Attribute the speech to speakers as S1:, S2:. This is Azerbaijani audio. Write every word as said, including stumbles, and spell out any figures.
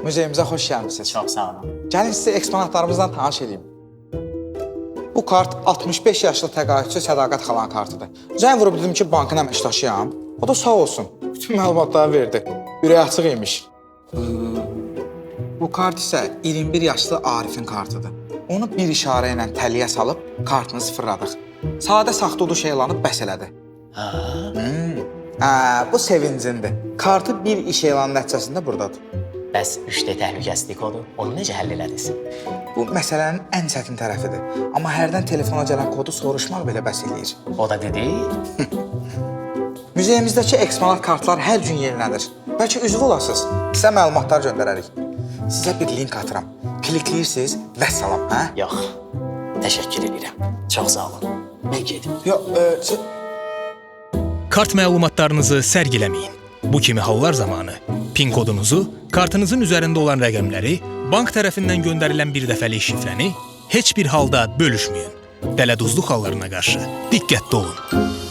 S1: muzeyimizə xoş gəlmisiniz.
S2: Çox sağ olun.
S1: Gəlin sizə eksponatlarımızdan tanış edeyim. Bu kart altmış beş yaşlı təqaüdçü Sədaqət xalanın kartıdır. Zəng vurub dedim ki, bankın əməkdaşıyam. O da sağ olsun. Bütün məlumatları verdi. Ürək açıq imiş. Bu kart isə iyirmi bir yaşlı Arifin kartıdır. Onu bir işarə ilə təliyə salıb kartını sıfırladıq. Sadə saxta uduş elanı bəs elədi.
S2: Ha?
S1: Hmm. Hə, bu sevincindir. Kartı bir iş elanı nəticəsində buradadır.
S2: Bəs üç D təhlükəsizlik kodu, onu necə həll elədiniz?
S1: Bu məsələnin ən çətin tərəfidir. Amma hərdən telefona gələn kodu soruşmaq belə bəs eləyir.
S2: O da dedi,
S1: Müzeyimizdəki eksponat kartlar hər gün yenilənir. Bəlkə üzv olasınız, sizə məlumatlar göndərərik. Sizə bir link atıram. Klikləyirsiniz və salam, hə?
S2: yox, təşəkkür edirəm. Çox sağ olun. Mən gedim.
S1: Yox, e, siz...
S3: Kart məlumatlarınızı sərgiləməyin. Bu kimi hallar zamanı PIN kodunuzu, kartınızın üzərində olan rəqəmləri, bank tərəfindən göndərilən bir dəfəlik şifrəni heç bir halda bölüşməyin. Dələduzluq hallarına qarşı diqqətli olun.